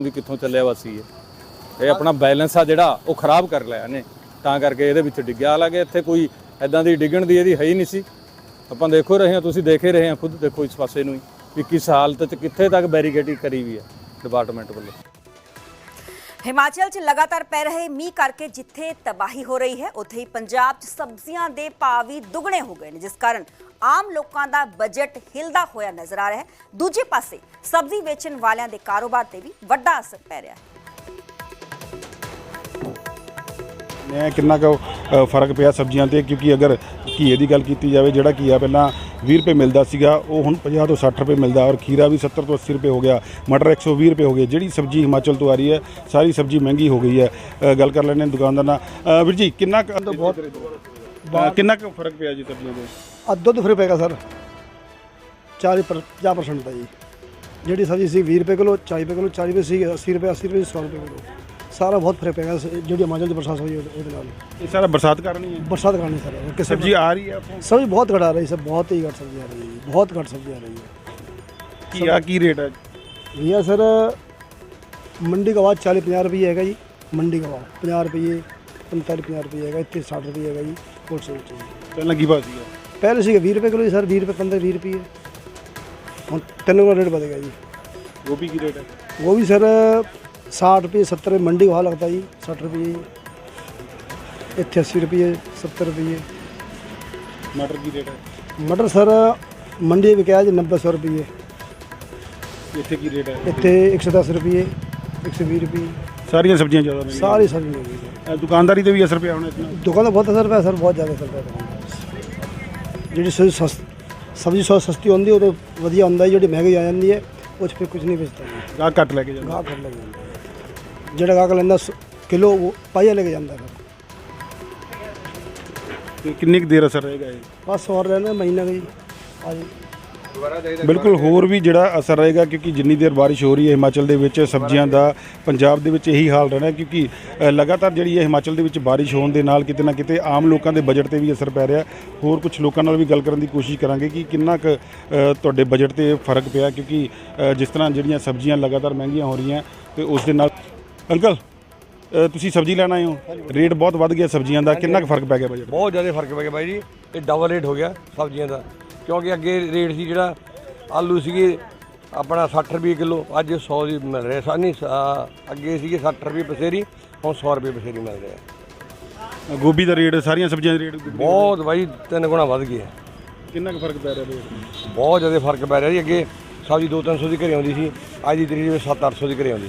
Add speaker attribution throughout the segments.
Speaker 1: ਵੀ ਕਿੱਥੋਂ ਚੱਲਿਆ ਵਾ ਸੀ ਇਹ ਆਪਣਾ ਬੈਲੈਂਸ ਆ ਜਿਹੜਾ ਉਹ ਖਰਾਬ ਕਰ ਲਿਆ ਇਹਨੇ, ਤਾਂ ਕਰਕੇ ਇਹਦੇ ਵਿੱਚ ਡਿੱਗਿਆ। ਹਾਲਾਂਕਿ ਇੱਥੇ ਕੋਈ ਐਦਾਂ ਦੀ ਡਿੱਗਣ ਦੀ ਇਹਦੀ ਹੈ ਹੀ ਨਹੀਂ ਸੀ। ਆਪਾਂ ਦੇਖੋ ਰਹੇ ਹਾਂ, ਤੁਸੀਂ ਦੇਖ ਹੀ ਰਹੇ ਹਾਂ, ਖੁਦ ਦੇਖੋ ਇਸ ਪਾਸੇ ਨੂੰ ਵੀ ਕਿਸ ਹਾਲਤ 'ਚ ਕਿੱਥੇ ਤੱਕ ਬੈਰੀਕੇਡਿੰਗ ਕਰੀ ਵੀ ਹੈ ਡਿਪਾਰਟਮੈਂਟ ਵੱਲੋਂ।
Speaker 2: ਹਿਮਾਚਲ 'ਚ ਲਗਾਤਾਰ ਪੈ ਰਹੇ ਮੀਂਹ ਕਰਕੇ ਜਿੱਥੇ ਤਬਾਹੀ ਹੋ ਰਹੀ ਹੈ, ਉੱਥੇ ਹੀ ਪੰਜਾਬ 'ਚ ਸਬਜ਼ੀਆਂ ਦੇ ਭਾਅ ਵੀ ਦੁੱਗਣੇ ਹੋ ਗਏ ਨੇ, ਜਿਸ ਕਾਰਨ ਆਮ ਲੋਕਾਂ ਦਾ ਬਜਟ ਹਿਲਦਾ ਹੋਇਆ ਨਜ਼ਰ ਆ ਰਿਹਾ ਹੈ। ਦੂਜੇ ਪਾਸੇ ਸਬਜ਼ੀ ਵੇਚਣ ਵਾਲਿਆਂ ਦੇ ਕਾਰੋਬਾਰ ਤੇ ਵੀ ਵੱਡਾ ਅਸਰ ਪੈ ਰਿਹਾ ਹੈ।
Speaker 3: ਕਿੰਨਾ ਕੁ ਫਰਕ ਪਿਆ ਸਬਜ਼ੀਆਂ ਤੇ, ਕਿਉਂਕਿ ਅਗਰ ਘੀਏ ਦੀ ਗੱਲ ਕੀਤੀ ਜਾਵੇ, ਜਿਹੜਾ ਘੀਆ ਪਹਿਲਾਂ 20 ਰੁਪਏ ਮਿਲਦਾ ਸੀਗਾ ਉਹ ਹੁਣ 50 ਤੋਂ 60 ਰੁਪਏ ਮਿਲਦਾ, ਔਰ ਖੀਰਾ ਵੀ 70 ਤੋਂ 80 ਰੁਪਏ ਹੋ ਗਿਆ, ਮਟਰ 120 ਰੁਪਏ ਹੋ ਗਏ। ਜਿਹੜੀ ਸਬਜ਼ੀ ਹਿਮਾਚਲ ਤੋਂ ਆ ਰਹੀ ਹੈ ਸਾਰੀ ਸਬਜ਼ੀ ਮਹਿੰਗੀ ਹੋ ਗਈ ਹੈ। ਗੱਲ ਕਰ ਲੈਂਦੇ ਦੁਕਾਨਦਾਰ ਨਾਲ। ਵੀਰ ਜੀ ਕਿੰਨਾ ਕਿੰਨਾ ਕੁ ਫਰਕ ਪਿਆ ਜੀ ਸਬਜ਼ੀਆਂ ਦੇ?
Speaker 4: ਅੱਧੋ ਤੋਂ ਫਿਰ ਪਏਗਾ ਸਰ 40-50% ਦਾ ਜੀ। ਜਿਹੜੀ ਸਬਜ਼ੀ ਸੀ 20 ਰੁਪਏ ਕਿਲੋ, 40 ਰੁਪਏ ਕਿਲੋ, 40 ਰੁਪਏ ਸੀ, 80 ਰੁਪਏ, 80 ਰੁਪਏ, 100 ਰੁਪਏ ਕਿਲੋ, ਸਾਰਾ ਬਹੁਤ ਫਰਕ ਪੈਗਾ। ਜਿਹੜੀ ਹਿਮਾਚਲ ਦੀ ਬਰਸਾਤ ਹੋਈ ਉਹਦੇ ਨਾਲ
Speaker 3: ਇਹ ਸਾਰਾ ਬਰਸਾਤ ਕਾਰਨ ਹੀ ਹੈ।
Speaker 4: ਬਰਸਾਤ ਕਾਰਨ ਸਰ ਕਿ
Speaker 3: ਸਬਜ਼ੀ ਆ ਰਹੀ ਹੈ
Speaker 4: ਸਬਜ਼ੀ ਬਹੁਤ ਘਟ ਆ ਰਹੀ, ਸਰ ਬਹੁਤ ਹੀ ਘੱਟ ਸਬਜ਼ੀ ਆ ਰਹੀ ਹੈ, ਬਹੁਤ ਘੱਟ ਸਬਜ਼ੀ ਆ ਰਹੀ ਹੈ।
Speaker 3: ਘੀਆ ਕੀ ਰੇਟ ਹੈ
Speaker 4: भैया सर मंडी का भाव 40-50 रुपये हैगा जी। मंडी का भाव 50 रुपये, 45-50 रुपये हैगा, इतने 60 रुपये हैगा जी। होलसेल चाहिए
Speaker 3: ਪਹਿਲਾਂ ਕੀ ਭਾਅ ਸੀਗਾ?
Speaker 4: पहले से 20 रुपये किलो जी सर, 20 रुपये, 15-20 रुपये हम 3 का रेट बढ़ेगा जी।
Speaker 3: ਗੋਭੀ ਕੀ ਰੇਟ ਹੈ?
Speaker 4: वो भी सर 60 रुपये, 70 रुपये मंडी का भाव लगता है जी। 60 रुपये इतने 80 रुपये, 70 रुपये।
Speaker 3: ਮਟਰ ਕੀ ਰੇਟ ਹੈ?
Speaker 4: मटर सर मंडी में क्या है जी 90-100 रुपये,
Speaker 3: ਇੱਥੇ ਕੀ ਰੇਟ ਹੈ?
Speaker 4: इतने 110 रुपये, 120 रुपये,
Speaker 3: ਸਾਰੀਆਂ ਸਬਜ਼ੀਆਂ ਜ਼ਿਆਦਾ ਨੇ।
Speaker 4: सारी सब्जी मिल गई।
Speaker 3: ਦੁਕਾਨਦਾਰੀ ਤੇ ਵੀ ਅਸਰ ਪਿਆ ਹੋਣਾ ਇਸ ਨਾਲ?
Speaker 4: दुकान तो बहुत असर पाया सर, बहुत ज़्यादा असर पाया। जी सब्जी सस्ती होती है तो वधिया होंगे, जी महंगी आ जाती है उस पर कुछ नहीं बेचता।
Speaker 3: ਗਾਹਕ ਘੱਟ ਲੈ ਕੇ ਜਾਂਦਾ।
Speaker 4: गाहक कर लग जो गाहक लेंदा किलो वो पाइया लेके जाता है।
Speaker 3: ਤੇ ਕਿੰਨੀ ਕੁ ਦੇਰ ਅਸਰ ਰਹੇਗਾ ਇਹ?
Speaker 4: बस और रहना महीना का जी आज।
Speaker 3: ਬਿਲਕੁਲ ਹੋਰ ਵੀ ਜਿਹੜਾ ਅਸਰ ਰਹੇਗਾ, ਕਿਉਂਕਿ ਜਿੰਨੀ ਦੇਰ ਬਾਰਿਸ਼ ਹੋ ਰਹੀ ਹੈ ਹਿਮਾਚਲ ਦੇ ਵਿੱਚ ਸਬਜ਼ੀਆਂ ਦਾ ਪੰਜਾਬ ਦੇ ਵਿੱਚ ਇਹੀ ਹਾਲ ਰਹਿਣਾ, ਕਿਉਂਕਿ ਲਗਾਤਾਰ ਜਿਹੜੀ ਹੈ ਹਿਮਾਚਲ ਦੇ ਵਿੱਚ ਬਾਰਿਸ਼ ਹੋਣ ਦੇ ਨਾਲ ਕਿਤੇ ਨਾ ਕਿਤੇ ਆਮ ਲੋਕਾਂ ਦੇ ਬਜਟ ਤੇ ਵੀ ਅਸਰ ਪੈ ਰਿਹਾ। ਹੋਰ ਕੁਝ ਲੋਕਾਂ ਨਾਲ ਵੀ ਗੱਲ ਕਰਨ ਦੀ ਕੋਸ਼ਿਸ਼ ਕਰਾਂਗੇ ਕਿ ਕਿੰਨਾ ਕੁ ਤੁਹਾਡੇ ਬਜਟ ਤੇ ਫਰਕ ਪਿਆ, ਕਿਉਂਕਿ ਜਿਸ ਤਰ੍ਹਾਂ ਜਿਹੜੀਆਂ ਸਬਜ਼ੀਆਂ ਲਗਾਤਾਰ ਮਹਿੰਗੀਆਂ ਹੋ ਰਹੀਆਂ ਤੇ ਉਸ ਦੇ ਨਾਲ। ਅੰਕਲ ਤੁਸੀਂ ਸਬਜ਼ੀ ਲੈਣ ਆਏ ਹੋ, ਰੇਟ ਬਹੁਤ ਵੱਧ ਗਿਆ ਸਬਜ਼ੀਆਂ ਦਾ, ਕਿੰਨਾ ਕੁ ਫਰਕ ਪੈ ਗਿਆ ਬਜਟ?
Speaker 5: ਬਹੁਤ ਜ਼ਿਆਦਾ ਫਰਕ ਪੈ ਗਿਆ ਬਾਈ ਜੀ, ਇਹ ਡਬਲ ਰੇਟ ਹੋ ਗਿਆ ਸਬਜ਼ੀਆਂ ਦਾ। ਕਿਉਂਕਿ ਅੱਗੇ ਰੇਟ ਸੀ ਜਿਹੜਾ ਆਲੂ ਸੀਗੇ ਆਪਣਾ 60 ਰੁਪਏ ਕਿਲੋ, ਅੱਜ 100 ਦੀ ਮਿਲ ਰਿਹਾ ਸਾਨੀ। ਅੱਗੇ ਸੀਗੇ 60 ਰੁਪਏ ਪਸੇਰੀ, ਹੁਣ 100 ਰੁਪਏ ਪਸੇਰੀ ਮਿਲ ਰਿਹਾ।
Speaker 3: ਗੋਭੀ ਦਾ ਰੇਟ, ਸਾਰੀਆਂ ਸਬਜ਼ੀਆਂ ਦੇ ਰੇਟ
Speaker 5: ਬਹੁਤ ਬਾਈ 3 ਗੁਣਾ ਵੱਧ ਗਿਆ।
Speaker 3: ਕਿੰਨਾ ਕੁ ਫਰਕ ਪੈ ਰਿਹਾ ਰੇਟ?
Speaker 5: ਬਹੁਤ ਜ਼ਿਆਦਾ ਫਰਕ ਪੈ ਰਿਹਾ ਜੀ। ਅੱਗੇ ਸਬਜ਼ੀ 200-300 ਦੀ ਘਰੇ ਆਉਂਦੀ ਸੀ, ਅੱਜ ਦੀ ਤਰੀਕ ਵਿੱਚ 700-800 ਦੀ ਘਰੇ ਆਉਂਦੀ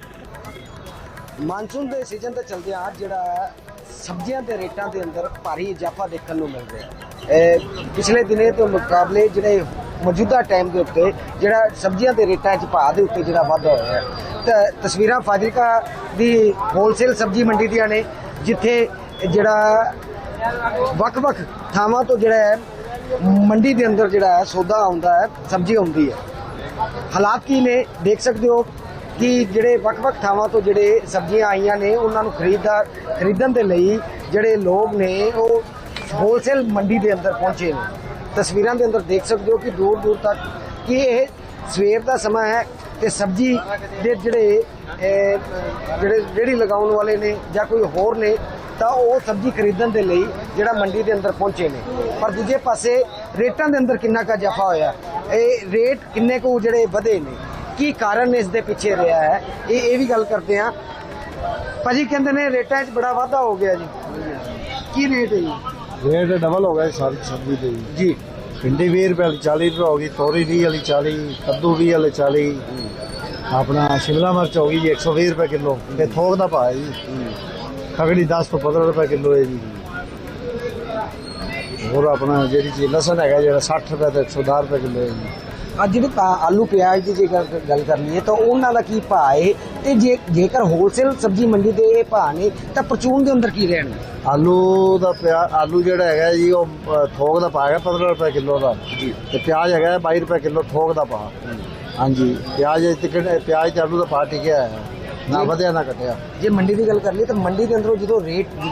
Speaker 5: ਸਬਜ਼ੀ।
Speaker 6: ਮਾਨਸੂਨ ਦੇ ਸੀਜ਼ਨ ਤੇ ਚਲਦੇ ਆ ਜਿਹੜਾ ਸਬਜ਼ੀਆਂ ਦੇ ਰੇਟਾਂ ਦੇ ਅੰਦਰ ਭਾਰੀ ਇਜ਼ਾਫਾ ਦੇਖਣ ਨੂੰ ਮਿਲ ਰਿਹਾ। ਪਿਛਲੇ ਦਿਨੇ ਤੋਂ ਮੁਕਾਬਲੇ ਜਿਹੜੇ ਮੌਜੂਦਾ ਟਾਈਮ ਦੇ ਉੱਤੇ ਜਿਹੜਾ ਸਬਜ਼ੀਆਂ ਦੇ ਰੇਟਾਂ 'ਚ ਭਾਅ ਦੇ ਉੱਤੇ ਜਿਹੜਾ ਵਾਧਾ ਹੋਇਆ ਹੈ। ਤਾਂ ਤਸਵੀਰਾਂ ਫਾਜ਼ਿਲਕਾ ਦੀ ਹੋਲਸੇਲ ਸਬਜ਼ੀ ਮੰਡੀ ਦੀਆਂ ਨੇ, ਜਿੱਥੇ ਜਿਹੜਾ ਵੱਖ-ਵੱਖ ਥਾਵਾਂ ਤੋਂ ਜਿਹੜਾ ਹੈ ਮੰਡੀ ਦੇ ਅੰਦਰ ਜਿਹੜਾ ਹੈ ਸੌਦਾ ਆਉਂਦਾ ਹੈ, ਸਬਜ਼ੀ ਆਉਂਦੀ ਹੈ। ਹਾਲਾਤ ਕੀ ਨੇ ਦੇਖ ਸਕਦੇ ਹੋ ਕਿ ਜਿਹੜੇ ਵੱਖ-ਵੱਖ ਥਾਵਾਂ ਤੋਂ ਜਿਹੜੇ ਸਬਜ਼ੀਆਂ ਆਈਆਂ ਨੇ ਉਹਨਾਂ ਨੂੰ ਖਰੀਦਣ ਦੇ ਲਈ ਜਿਹੜੇ ਲੋਕ ਨੇ ਉਹ ਹੋਲਸੇਲ ਮੰਡੀ ਦੇ ਅੰਦਰ ਪਹੁੰਚੇ ਨੇ। ਤਸਵੀਰਾਂ ਦੇ ਅੰਦਰ ਦੇਖ ਸਕਦੇ ਹੋ ਕਿ ਦੂਰ-ਦੂਰ ਤੱਕ ਕਿ ਇਹ ਸਵੇਰ ਦਾ ਸਮਾਂ ਹੈ ਤੇ ਸਬਜ਼ੀ ਦੇ ਜਿਹੜੇ ਰੇਹੜੀ ਲਗਾਉਣ ਵਾਲੇ ਨੇ ਜਾਂ ਕੋਈ ਹੋਰ ਨੇ ਤਾਂ ਉਹ ਸਬਜ਼ੀ ਖਰੀਦਣ ਦੇ ਲਈ ਜਿਹੜਾ ਮੰਡੀ ਦੇ ਅੰਦਰ ਪਹੁੰਚੇ ਨੇ। ਪਰ ਦੂਜੇ ਪਾਸੇ ਰੇਟਾਂ ਦੇ ਅੰਦਰ ਕਿੰਨਾ ਕੁ ਇਜ਼ਾਫਾ ਹੋਇਆ, ਇਹ ਰੇਟ ਕਿੰਨੇ ਕੁ ਜਿਹੜੇ ਵਧੇ ਨੇ, ਕੀ ਕਾਰਨ ਇਸ ਦੇ ਪਿੱਛੇ ਰਿਹਾ ਹੈ, ਇਹ ਵੀ ਗੱਲ ਕਰਦੇ ਹਾਂ। ਭਾਜੀ ਕਹਿੰਦੇ ਨੇ ਰੇਟਾਂ 'ਚ ਬੜਾ ਵਾਧਾ ਹੋ ਗਿਆ ਜੀ, ਕੀ ਰੇਟ ਹੈ ਜੀ?
Speaker 7: रेट डबल हो गया सारी सब्जी के
Speaker 6: ਜੀ
Speaker 7: भिंडी 20 रुपए वाली 40 रुपए होगी, तोरी 20 वाली 40, कद्दू 20 वाले 40, अपना शिमला मिर्च होगी जी 120 रुपए किलो, ये थोक का भाव है जी। खगड़ी 10 तो 15 रुपए किलो है जी। और अपना जी चीज लसन है जो 60 रुपए तो 110 रुपए किलो है जी।
Speaker 6: ਅੱਜ ਜਿਹੜੇ ਆਲੂ ਪਿਆਜ਼ ਦੀ ਜੇਕਰ ਗੱਲ ਕਰ ਲਈਏ ਤਾਂ ਉਹਨਾਂ ਦਾ ਕੀ ਭਾਅ ਹੈ, ਤੇ ਜੇਕਰ ਹੋਲਸੇਲ ਸਬਜ਼ੀ ਮੰਡੀ ਦੇ ਇਹ ਭਾਅ ਨੇ ਤਾਂ ਪਰਚੂਨ ਦੇ ਅੰਦਰ ਕੀ ਰਹਿਣ?
Speaker 7: आलू का आलू जोड़ा है जी वो थोक का भाव है 15 रुपए किलो का जी, तो प्याज है 22 रुपए किलो थोक का भाव। हाँ जी, प्याज प्याज ते आलू का भाव टिकया है, ना ਵਧਿਆ ਨਾ ਘਟਿਆ।
Speaker 6: ਜੇ ਮੰਡੀ ਦੀ ਗੱਲ ਕਰ ਲਈ ਤਾਂ ਮੰਡੀ ਦੇ ਅੰਦਰੋਂ ਜਦੋਂ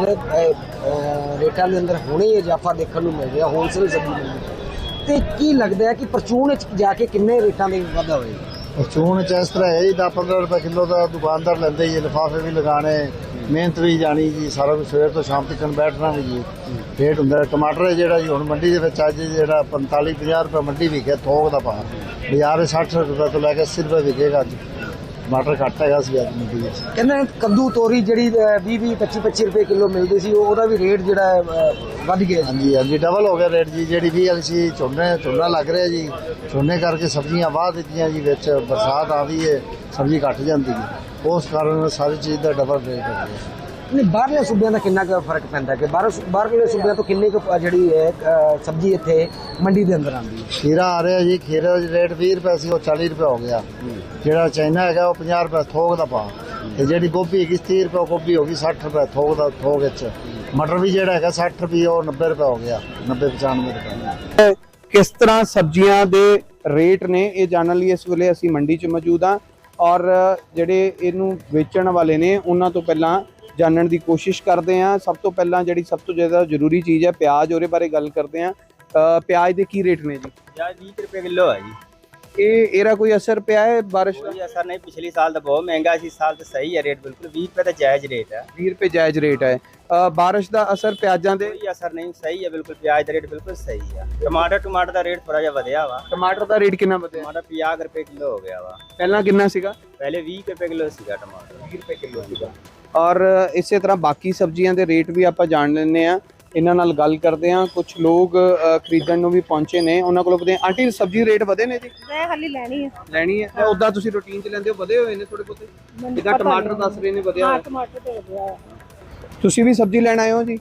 Speaker 6: ਰੇਟਾਂ ਦੇ ਅੰਦਰ ਹੁਣੇ ਇਜ਼ਾਫਾ ਦੇਖਣ ਨੂੰ ਮਿਲ ਰਿਹਾ ਹੋਲਸੇਲ ਸਬਜ਼ੀ ਮੰਡੀ, ਤੇ ਕੀ ਲੱਗਦਾ ਹੈ ਕਿ ਪਰਚੂਨ ਵਿੱਚ ਜਾ ਕੇ ਕਿੰਨੇ ਰੇਟਾਂ ਦੇ ਵਾਧਾ ਹੋਏਗਾ?
Speaker 7: ਚੂਨ ਚ ਇਸ ਤਰ੍ਹਾਂ ਹੈ ਜੀ 10-15 ਰੁਪਏ ਕਿਲੋ ਦਾ ਦੁਕਾਨਦਾਰ ਲੈਂਦੇ ਜੀ, ਲਿਫਾਫੇ ਵੀ ਲਗਾਣੇ, ਮਿਹਨਤ ਵੀ ਜਾਣੀ ਜੀ, ਸਾਰਾ ਕੁਝ ਸਵੇਰ ਤੋਂ ਸ਼ਾਮ ਤੱਕ ਬੈਠਣਾ ਵੀ ਜੀ। ਰੇਟ ਹੁੰਦਾ ਟਮਾਟਰ ਹੈ ਜਿਹੜਾ ਜੀ ਹੁਣ ਮੰਡੀ ਦੇ ਵਿੱਚ ਅੱਜ ਜਿਹੜਾ 45-50 ਰੁਪਏ ਮੰਡੀ ਵਿਕਿਆ ਥੋਕ ਦਾ ਭਾਅ, ਬਾਜ਼ਾਰ 60 ਰੁਪਏ ਤੋਂ ਲੈ ਕੇ 80 ਰੁਪਏ ਵਿਕੇਗਾ ਅੱਜ। ਟਮਾਟਰ ਘੱਟ ਹੈਗਾ ਸੀ ਅੱਜ ਮੰਡੀ ਵਿੱਚ।
Speaker 6: ਕਹਿੰਦੇ ਕੱਦੂ ਤੋਰੀ ਜਿਹੜੀ 20-20 25-25 ਰੁਪਏ ਕਿਲੋ ਮਿਲਦੀ ਸੀ ਉਹਦਾ ਵੀ ਰੇਟ ਜਿਹੜਾ ਵੱਧ ਗਿਆ ਜੀ।
Speaker 7: ਹਾਂਜੀ ਹਾਂਜੀ ਡਬਲ ਹੋ ਗਿਆ ਰੇਟ ਜੀ। ਜਿਹੜੀ 20 ਵਾਲੀ ਸੀ ਝੋਨਾ ਲੱਗ ਰਿਹਾ ਜੀ, ਝੋਨੇ ਕਰਕੇ ਸਬਜ਼ੀਆਂ ਵਾਹ ਦਿੱਤੀਆਂ ਜੀ, ਵਿੱਚ ਬਰਸਾਤ ਆ ਗਈ ਹੈ ਸਬਜ਼ੀ ਘੱਟ ਜਾਂਦੀ ਹੈ, ਉਸ ਕਾਰਨ ਸਾਰੀ ਚੀਜ਼ ਦਾ ਡਬਲ ਰੇਟ ਹੋ ਗਿਆ।
Speaker 6: ਨਹੀਂ ਬਾਹਰਲੇ ਸੂਬਿਆਂ ਦਾ ਕਿੰਨਾ ਕੁ ਫਰਕ ਪੈਂਦਾ ਕਿ ਬਾਹਰਲੇ ਸੂਬਿਆਂ ਤੋਂ ਕਿੰਨੀ ਕੁ ਜਿਹੜੀ ਹੈ ਸਬਜ਼ੀ ਇੱਥੇ ਮੰਡੀ ਦੇ ਅੰਦਰ ਆਉਂਦੀ ਹੈ?
Speaker 7: ਖੀਰਾ ਆ ਰਿਹਾ ਜੀ, ਖੀਰੇ ਦਾ ਰੇਟ 20 ਰੁਪਏ ਸੀ ਉਹ 40 ਰੁਪਏ ਹੋ ਗਿਆ। ਜਿਹੜਾ ਚਾਈਨਾ ਹੈਗਾ ਉਹ 50 ਰੁਪਏ ਥੋਕ ਦਾ ਭਾਅ, ਤੇ ਜਿਹੜੀ ਗੋਭੀ ਹੈਗੀ 30 ਰੁਪਏ ਗੋਭੀ ਹੋ ਗਈ, 60 ਰੁਪਏ ਥੋਕ ਦਾ ਥੋਕ ਵਿੱਚ। ਮਟਰ ਵੀ ਜਿਹੜਾ ਹੈਗਾ 60 ਰੁਪਏ ਉਹ 90 ਰੁਪਏ ਹੋ ਗਿਆ, 90-95 ਰੁਪਏ।
Speaker 8: ਕਿਸ ਤਰ੍ਹਾਂ ਸਬਜ਼ੀਆਂ ਦੇ ਰੇਟ ਨੇ ਇਹ ਜਾਣਨ ਲਈ ਇਸ ਵੇਲੇ ਅਸੀਂ ਮੰਡੀ 'ਚ ਮੌਜੂਦ ਹਾਂ ਔਰ ਜਿਹੜੇ ਇਹਨੂੰ ਵੇਚਣ ਵਾਲੇ ਨੇ ਉਹਨਾਂ ਤੋਂ ਪਹਿਲਾਂ ਜਾਣਨ ਦੀ ਕੋਸ਼ਿਸ਼ ਕਰਦੇ ਹਾਂ। ਸਭ ਤੋਂ ਪਹਿਲਾਂ ਜਿਹੜੀ ਸਭ ਤੋਂ ਜ਼ਿਆਦਾ ਜ਼ਰੂਰੀ ਚੀਜ਼ ਹੈ ਪਿਆਜ਼, ਉਹਦੇ ਬਾਰੇ ਗੱਲ ਕਰਦੇ ਹਾਂ। ਪਿਆਜ਼ ਦੇ ਕੀ ਰੇਟ ਨੇ ਜੀ?
Speaker 9: ਪਿਆਜ਼ 20 ਰੁਪਏ ਕਿਲੋ ਹੈ ਜੀ।
Speaker 8: ਇਹਦਾ ਕੋਈ ਅਸਰ ਪਿਆ ਹੈ ਬਾਰਿਸ਼ ਦਾ?
Speaker 9: ਕੋਈ ਅਸਰ ਨਹੀਂ, ਪਿਛਲੀ ਸਾਲ ਤਾਂ ਬਹੁਤ ਮਹਿੰਗਾ ਸੀ, ਸਾਲ ਤਾਂ ਸਹੀ ਹੈ ਰੇਟ ਬਿਲਕੁਲ 20 ਰੁਪਏ ਤਾਂ ਜਾਇਜ਼ ਰੇਟ ਹੈ।
Speaker 8: 20 ਰੁਪਏ ਜਾਇਜ਼ ਰੇਟ ਹੈ। ਬਾਰਿਸ਼ ਦਾ ਅਸਰ ਪਿਆਜ਼ਾਂ ਦੇ?
Speaker 9: ਕੋਈ ਅਸਰ ਨਹੀਂ, ਸਹੀ ਹੈ ਬਿਲਕੁਲ, ਪਿਆਜ਼ ਦਾ ਰੇਟ ਬਿਲਕੁਲ ਸਹੀ ਹੈ। ਟਮਾਟਰ ਦਾ ਰੇਟ ਥੋੜਾ ਜਿਹਾ ਵਧਿਆ ਵਾ।
Speaker 8: ਟਮਾਟਰ ਦਾ ਰੇਟ ਕਿੰਨਾ ਵਧਿਆ?
Speaker 9: ਟਮਾਟਰ 50 ਰੁਪਏ ਕਿਲੋ ਹੋ ਗਿਆ ਵਾ।
Speaker 8: ਪਹਿਲਾਂ ਕਿੰਨਾ ਸੀਗਾ?
Speaker 9: ਪਹਿਲੇ 20 ਰੁਪਏ ਕਿਲੋ ਸੀਗਾ ਟਮਾਟਰ।
Speaker 8: 20 ਰੁਪਏ ਕਿਲੋ ਸੀਗਾ। ਔਰ ਇਸੇ ਤਰ੍ਹਾਂ ਬਾਕੀ ਸਬਜ਼ੀਆਂ ਦੇ ਰੇਟ ਵੀ ਆਪਾਂ ਜਾਣ ਲੈਂਦੇ ਆ, ਇਹਨਾਂ ਨਾਲ ਗੱਲ ਕਰਦੇ ਆ। ਕੁਝ ਲੋਕ ਖਰੀਦਣ ਨੂੰ ਵੀ ਪਹੁੰਚੇ ਨੇ, ਉਹਨਾਂ ਕੋਲੋਂ ਪੁੱਛਦੇ ਆ, ਆਂਟੀ ਸਬਜ਼ੀ ਰੇਟ ਵਧੇ ਨੇ ਜੀ?
Speaker 10: ਮੈਂ ਖਾਲੀ ਲੈਣੀ ਹੈ।
Speaker 8: ਲੈਣੀ ਹੈ? ਉਦਾਂ ਤੁਸੀਂ ਰੂਟੀਨ 'ਚ ਲੈਂਦੇ ਹੋ, ਵਧੇ ਹੋਏ ਨੇ ਥੋੜੇ ਬਹੁਤੇ? ਜਿੱਦਾਂ ਟਮਾਟਰ ਦੱਸ ਰਹੇ ਨੇ ਵਧਿਆ ਹੋਇਆ।
Speaker 10: ਟਮਾਟਰ ਤੇ ਵਧਿਆ।
Speaker 8: ਤੁਸੀਂ ਵੀ ਸਬਜ਼ੀ ਲੈਣ ਆਏ ਹੋ ਜੀ?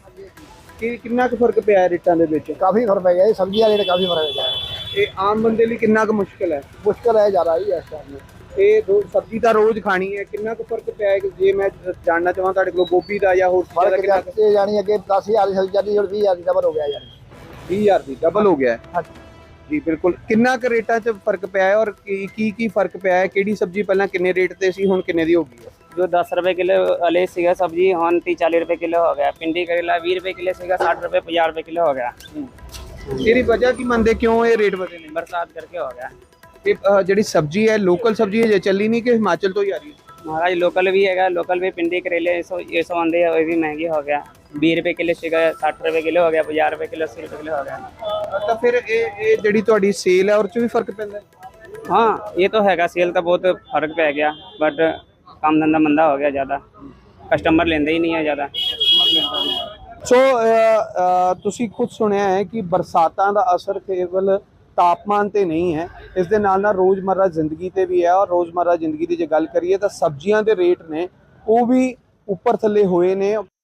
Speaker 8: ਕਿੰਨਾ ਕੁ ਫਰਕ ਪਿਆ ਹੈ ਰੇਟਾਂ ਦੇ ਵਿੱਚ?
Speaker 4: ਕਾਫੀ ਫਰਕ ਪੈ ਗਿਆ ਜੀ, ਸਬਜ਼ੀ ਦਾ ਰੇਟ ਕਾਫੀ ਫਰਕ ਹੈ।
Speaker 8: ਇਹ ਆਮ ਬੰਦੇ ਲਈ ਕਿੰਨਾ ਕੁ ਮੁਸ਼ਕਿਲ ਹੈ?
Speaker 4: ਮੁਸ਼ਕਲ ਹੈ ਜ਼ਿਆਦਾ ਹੀ ਇਸ ਟਾਈਮ।
Speaker 8: ਇਹ ਸਬਜ਼ੀ ਤਾਂ ਰੋਜ਼ ਖਾਣੀ ਹੈ, ਕਿੰਨਾ ਕੁ ਫਰਕ ਪਿਆ ਹੈ? ਜੇ ਮੈਂ ਜਾਣਨਾ ਚਾਹਾਂ ਤੁਹਾਡੇ ਕੋਲ ਗੋਭੀ ਦਾ ਜਾਂ ਹੋਰ ਚੀਜ਼ਾਂ ਦਾ ਕਿੰਨਾ ਕੁ?
Speaker 4: ਜਾਣੀ ਅੱਗੇ 10,000 ਦੀ ਸਬਜ਼ੀ ਜਾਂਦੀ ਹੁਣ 20,000 ਦੀ ਡਬਲ ਹੋ ਗਿਆ ਯਾਰ।
Speaker 8: 20,000 ਦੀ ਡਬਲ ਹੋ ਗਿਆ ਹੈ ਜੀ। ਬਿਲਕੁਲ। ਕਿੰਨਾ ਕੁ ਰੇਟਾਂ 'ਚ ਫਰਕ ਪਿਆ ਹੈ ਔਰ ਕੀ ਫਰਕ ਪਿਆ ਹੈ? ਕਿਹੜੀ ਸਬਜ਼ੀ ਪਹਿਲਾਂ ਕਿੰਨੇ ਰੇਟ ਤੇ ਸੀ, ਹੁਣ ਕਿੰਨੇ ਦੀ ਹੋ ਗਈ ਹੈ?
Speaker 9: जो 10 रुपए किलो वाले सीगा सब्जी हम 30-40 रुपए किलो हो गया। भिंडी करेला 20 रुपए किलो सीगा 60 रुपए 50 रुपए किलो हो गया।
Speaker 8: ਇਹਦੀ ਵਜ੍ਹਾ ਕੀ ਮੰਨਦੇ, ਕਿਉਂ ਇਹ ਰੇਟ ਵਧੇ ਨੇ?
Speaker 9: बरसात करके हो गया।
Speaker 8: ਇਹ ਜਿਹੜੀ ਸਬਜ਼ੀ ਹੈ ਲੋਕਲ ਸਬਜ਼ੀ ਹੈ, ਜੇ ਚੱਲੀ नहीं कि हिमाचल तो ही आ रही है?
Speaker 9: महाराज लोकल भी है, लोकल भी भिंडी करेले ये सौ आंदे वो भी महंगे हो गया। 20 रुपए किलो सीगा 60 रुपए किलो हो गया, 50 रुपए किलो 80 रुपए किलो हो गया।
Speaker 8: ਤਾਂ ਫਿਰ ਇਹ ਜਿਹੜੀ ਤੁਹਾਡੀ ਸੇਲ ਹੈ ਉਹ 'ਚ ਵੀ ਫਰਕ ਪੈਂਦਾ ਹੈ?
Speaker 9: हाँ ये तो हैगा, सेल का बहुत फर्क पै गया, बट काम धंधा मंदा हो गया, ज़्यादा कस्टमर लेंदे ही नहीं है ज़्यादा।
Speaker 8: ਸੋ ਤੁਸੀਂ ਖੁਦ ਸੁਣਿਆ ਹੈ ਕਿ ਬਰਸਾਤਾਂ ਦਾ ਅਸਰ ਕੇਵਲ ਤਾਪਮਾਨ ਤੇ ਨਹੀਂ ਹੈ, ਇਸ ਦੇ ਨਾਲ ਨਾਲ ਰੋਜ਼ਮर्रा ਜ਼ਿੰਦਗੀ ਤੇ ਵੀ ਹੈ। ਔਰ ਰੋਜ਼ਮर्रा ਜ਼ਿੰਦਗੀ ਦੀ ਜੇ ਗੱਲ ਕਰੀਏ ਤਾਂ ਸਬਜ਼ੀਆਂ ਦੇ ਰੇਟ ਨੇ ਉਹ ਵੀ ਉੱਪਰ ਥੱਲੇ ਹੋਏ ਨੇ।